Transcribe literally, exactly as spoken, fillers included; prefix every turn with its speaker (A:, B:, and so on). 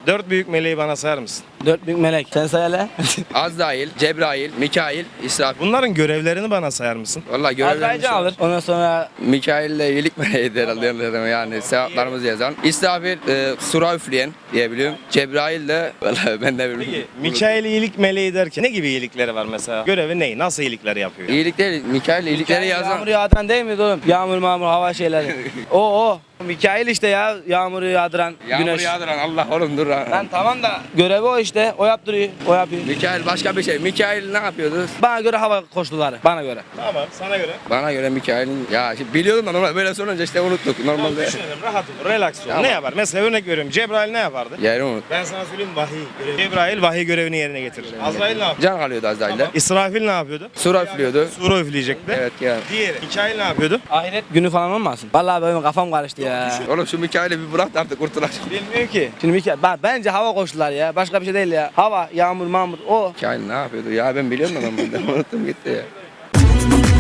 A: Dört büyük meleği bana sayar mısın?
B: Dört büyük melek. Sen say hele.
C: Azrail, Cebrail, Mikail, İsrafil.
A: Bunların görevlerini bana sayar mısın?
C: Vallahi görevlerimiz
B: Azrailcan alır. Ondan sonra
C: Mikail ile iyilik meleğidir herhalde, yani sevaplarımızı yazan. İsrafil e, sura üfleyen diyebiliyorum. Cebrail de vallahi ben de
A: Peki
C: bilmiyorum.
A: Mikail iyilik meleği derken ne gibi iyilikleri var mesela? Görevi ne? Nasıl iyilikler yapıyor?
C: İyilik değil, Mikail iyilikleri yazan.
B: yağmur yağdıran değil mi oğlum? Yağmur mağmur hava şeyleri. o o. Mikail işte ya yağmuru yağdıran
C: Yağmur
B: güneş.
C: yağdıran Allah oğlum dur. ha.
B: Lan tamam da görevi o işte. O yaptırıyor. O yapıyor.
C: Mikail başka bir şey. Mikail ne yapıyordu?
B: Bana göre hava koşulları. Bana göre.
A: Tamam, sana göre.
C: Bana göre Mikail'in ya şimdi biliyordum da normal böyle sorunca işte unuttuk normalde.
A: Düşünelim, rahat ol, relax ol.
C: Tamam.
A: Ne yapar? Mesela örnek veriyorum. Cebrail ne yapardı?
C: Yeri unut.
A: Ben sana söyleyeyim, vahiy görevi. Cebrail vahiy görevini yerine getirir. Azrail ne yapıyor?
C: Can kalıyordu Azrail'de.
A: İsrafil ne yapıyordu?
C: Sura üflüyordu.
A: Sura üfleyecekti.
C: Evet ya.
A: Diğeri. Mikail ne yapıyordu?
B: Ahiret günü falan olmasın? Vallahi benim kafam karıştı ya.
C: Oğlum şu Mikail'i bir bırak da artık kurtulacak.
B: Bilmiyorum ki. Şimdi Mikail, bak bence hava koşulları ya. Başka bir şey değil ya. Hava, yağmur, mağmur o.
C: Mikail ne yapıyordu ya ben biliyorum da normalde unuttum gitti ya.